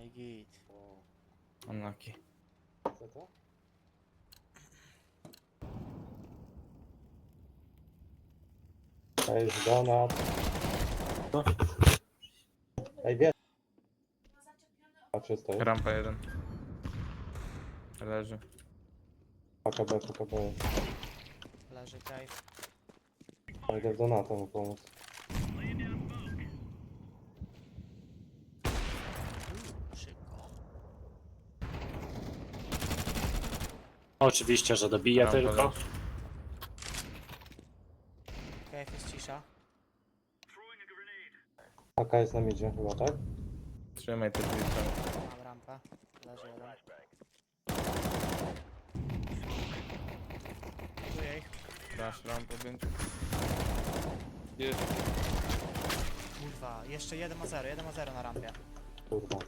i git. Unlucky. Co to? To jest donat. Ej, wiesz. A czysto jest? Rampa jeden. Leży. PKB, PKB. Leży cave. A idę w donata mu pomóc. Szybko. Oczywiście, że dobiję Rampa tylko. leży. Cave jest cisza. AK jest na midzie chyba, tak? Trzymaj te drzwi. Mam rampę. Leży jeden. Buduję ich. Dasz rampę, będzie. Jest. Kurwa, jeszcze 1 ma 0 na rampie. Kurwa.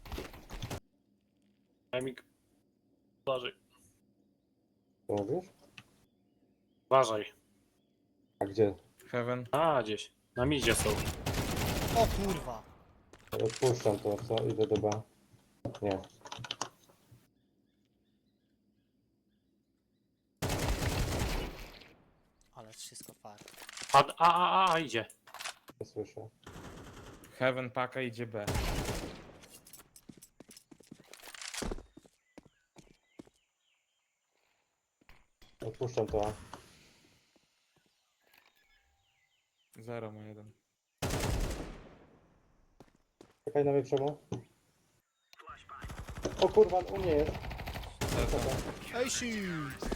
Emik. Uważaj. Co mówisz? Uważaj. A gdzie? Heaven. A, gdzieś. Na midzie są. O kurwa! Odpuszczam to, co? Idę do B. Nie. Ale wszystko far. A, idzie. Nie słyszę. Heaven paka idzie B. Odpuszczam to. A. 0 ma jeden. Czekaj na mnie przemo. O kurwa, u mnie jest. Ej, shit!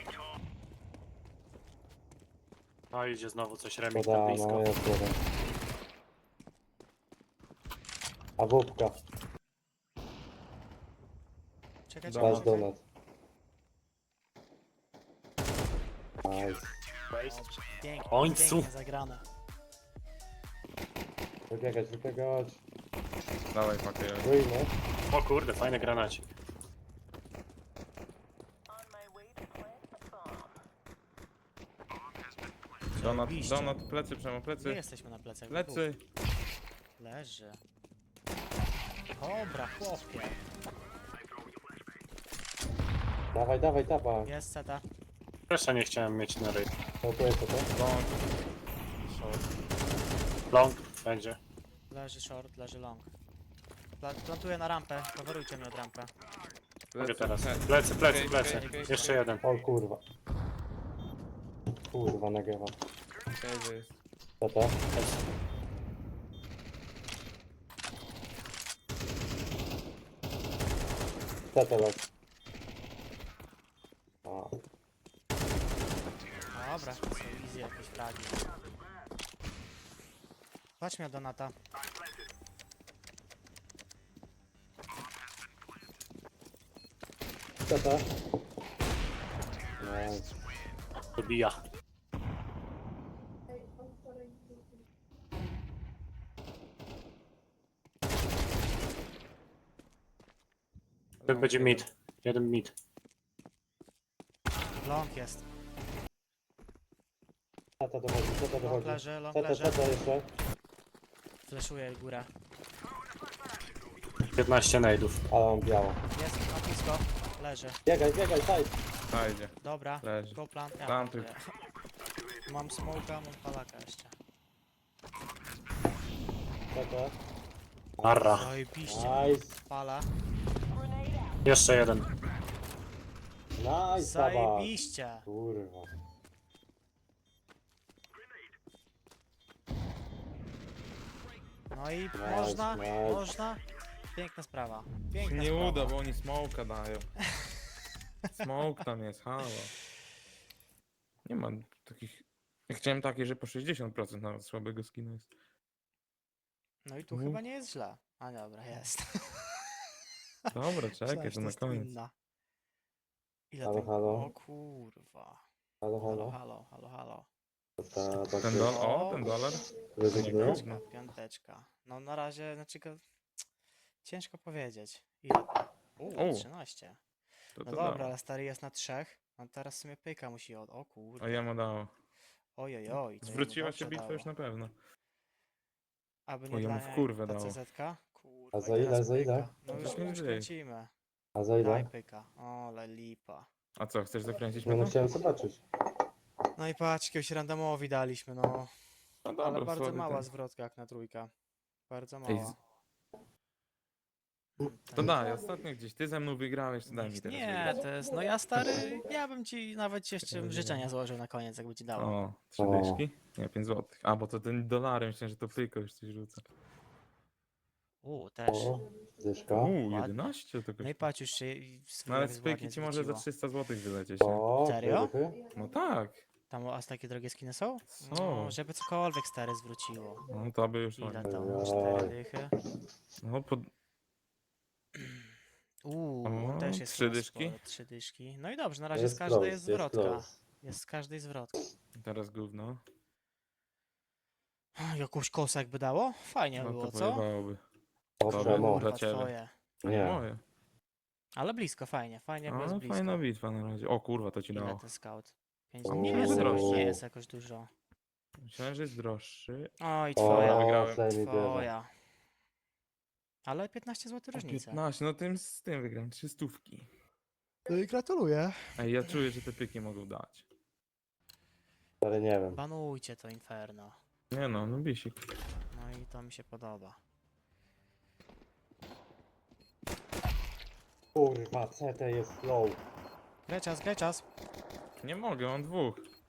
No idzie znowu coś remik Poda, na no blisko. jest jeden. A wódka. Czekaj, Donat. Dasz donat. Nice. W Pięknie, końcu. pięknie zagrane. Wybiegać, wybiegać. Dawaj pakę. Wyjmę. O kurde, fajny granacik. Donat, Zajebiście. donat, plecy, przemo, My plecy. jesteśmy na plecach. Plecy. Leży. Dobra, chłopie. Dawaj, dawaj, dawaj. Jest seta. Jeszcze nie chciałem mieć na ryj. No to jest to. Long. Short. Long będzie. Leży short, leży long. Plantuję na rampę. Coverujcie mnie od rampę. Mogę teraz. He- Plecy, plecy, Okej, plecy. okej, okej. Jeszcze jeden. O kurwa. Kurwa, nagrywa. Cave jest. Tata. Tata lec. A, Dobra, to są easy jakieś fragi. Chodź mnie do Donata. tata. Nice. Dobija. Ten będzie mid. Jeden mid. Long jest. Tata dochodzi, tata Long dochodzi. leży, long Tata, leży. tata jeszcze. Fleszuję górę. 15 nade'ów. Ale on biało. Jest na blisko. Leży. Biegaj, biegaj, taj. Fajnie. Dobra. Leży. Go plant. Ja Plantuj. plantuję. Mam smoka, mam palaka jeszcze. Tata. Arra. Zajebiście. Nice. Pala. Jeszcze jeden. Nice, taba. Zajebiście. Kurwa. No i Nice, można, nice. można. Piękna sprawa. Się Piękna nie sprawa. uda, bo oni smoka dają. Smoke tam jest, halo. Nie ma takich... Ja chciałem takie, że po 60% nawet słabego skina jest. No i tu Mhm. chyba nie jest źle. A dobra, jest. Dobra, czekaj, Myślałem, że to na jest koniec. inna. Ile Halo, ten... halo. O kurwa. Halo, Halo, halo. halo, halo, halo. Tata, Ten dolar, o, ten dolar. Rezygnujesz? Piąteczka, piąteczka. No na razie, znaczy go... Ciężko powiedzieć. Ile? O. 13. To No to dobra, dało. ale stary jest na 3. No teraz w sumie pyka musi od... O kurde. A ja mu dało. Ojojoj. to jemu Zwróciła dobrze się bitwa dało. już na pewno. Aby O, nie ja dla mu w niej kurwę ta dało. CZ-ka? Kurwa, A i za ile, teraz za ile? pyka. No już, Weźmy już gry. kręcimy. A za Daj ile? pyka. Ole lipa. A co, chcesz zakręcić Nie no, mnie? chciałem zobaczyć. No i patrz, jakiegoś randomowi daliśmy, no. No Ale dobra, bardzo słaby mała ten. zwrotka jak na trójka. Bardzo Ej, mała. To daj, ostatnio gdzieś ty ze mną wygrałeś, to daj mi teraz Nie, wygrać. to jest, no ja stary, ja bym ci nawet jeszcze życzenia złożył na koniec, jakby ci dało. O, 3 O. dyszki? Nie, 5 złotych. A, bo to ten dolary, myślałem, że to pyko już coś rzuca. Też. O, dyszka. Uuu, ładnie. 11 to No i kosztuje. patrz, już się No ale swój z pyki ci może za 300 złotych wylecieć, nie? O, Serio? dychy. No tak. Tam aż takie drogie skiny są? Są. No, żeby cokolwiek stare zwróciło. No to by już Ile ładnie. to? Ojoj. 4 dychy? No, pod... On też O, jest 3 chyba dyszki? sporo, 3 dyszki. No i dobrze, na razie Jest z każdej close, jest zwrotka. close. Jest z każdej zwrotka. teraz gówno. Jakąś kosę jakby dało? Fajnie No było, to co? pojebałoby. O, Dobra, czemu? dobra. Kurwa, ciebie. twoje. A nie Nie. moje. Ale blisko, fajnie, fajnie, bo jest No, blisko. fajna bitwa na razie. O kurwa, to ci Ile dało. ten scout? O, Nie nie jest, droższy. nie jest jakoś dużo. Myślałem, że jest droższy. Oj, O, twoja, wygrałem. Slay mi bierze. twoja. Ale 15 zł O, różnica. 15, no tym z tym wygram, 300. No i gratuluję. Ej, ja czuję, że te pyki mogą dać. Ale nie wiem. Banujcie to Inferno. Nie no, no bisik. No i to mi się podoba. Kurwa, CT jest low. Graj czas. Nie mogę, mam 2.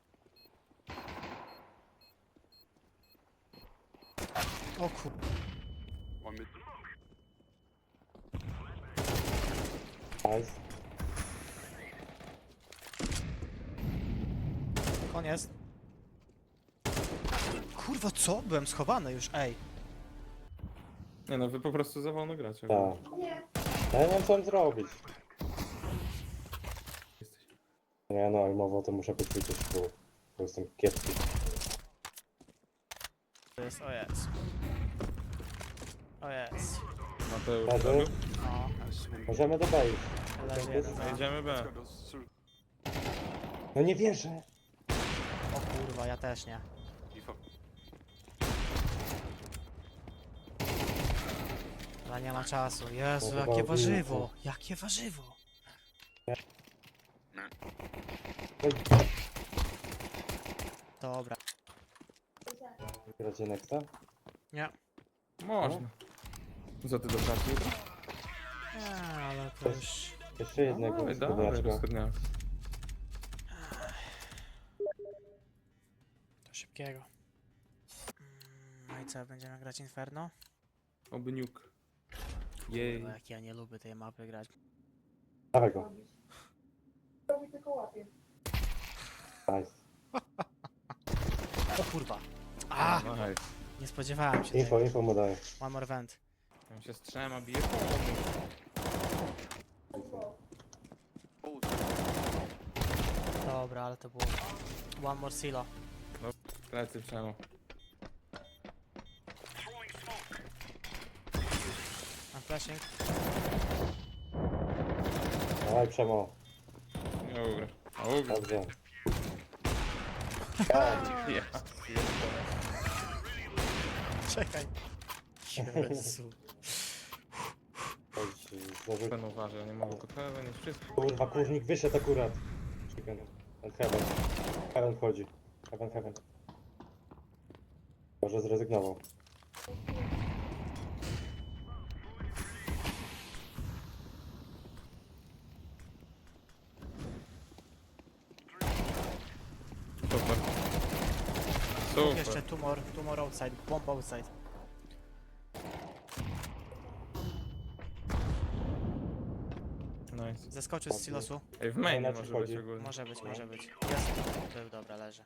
O kur... Nice. Koniec. Kurwa, co? Byłem schowany już, ej. Nie no, wy po prostu za wolno gracie. Tak. Ja nie wiem co mam zrobić. Jesteś. Nie no, jak mowa to muszę poćwiczyć, bo jestem kiepski. To jest, o jest. O jest. Mateusz, Leży? zrobił? No, Możemy do B iść. leży jeden za. Jedziemy B. No nie wierzę. O kurwa, ja też nie. Ale nie ma czasu. Jezu, No chyba jakie obiło, warzywo. Jakie warzywo. Oj, Dobra. gracie nexta? Nie. Można. Co ty do pracy jutro? Nie, ale to już... Jeszcze jednego Dawaj, skrzydlaczka. rozchodniaka. To szybkiego. No i co, będziemy grać Inferno? Oby niuk. Jej. Kurwa, jak ja nie lubię tej mapy grać. Dawaj go. Nice. O kurwa. A! Nice. Nie spodziewałem się Info, tego. info mu daję. One more vent. Tam się z 3 bije. Dobra, ale to było... One more silo. Plecy przemo. I'm flashing. Dawaj Przemo. Nie ugra. A ugra. Dobrze. Ja. Czekaj. Jezu. Chodź, zdążył. Ten uważa, nie mogę pod heaven, jest wszystko. Kurwa, kurnik wyszedł akurat. Chicken. And heaven. Heaven wchodzi. Heaven, heaven. Może zrezygnował. Super. Super. Jeszcze two more outside. Bomb outside. Nice. Zeskoczył z silosu. Ej, w main Na może co chodzi? być ogólnie. Może być, może być. Jest. Był, dobra, leży.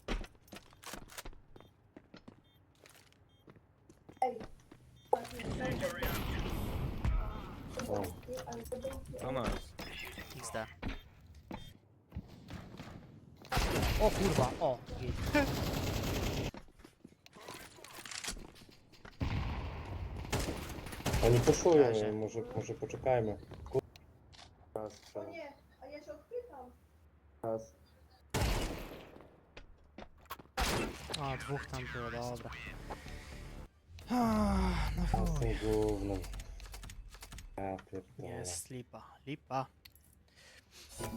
O. To nice. XD. O kurwa, o. git. Oni puszują, Razie. może poczekajmy. Raz, Przemo. Nie, a ja się odpytam. Raz. O, dwóch tam było, dobra. No A z chuj. tym gównem. Ja pierdolę. Jest lipa, lipa.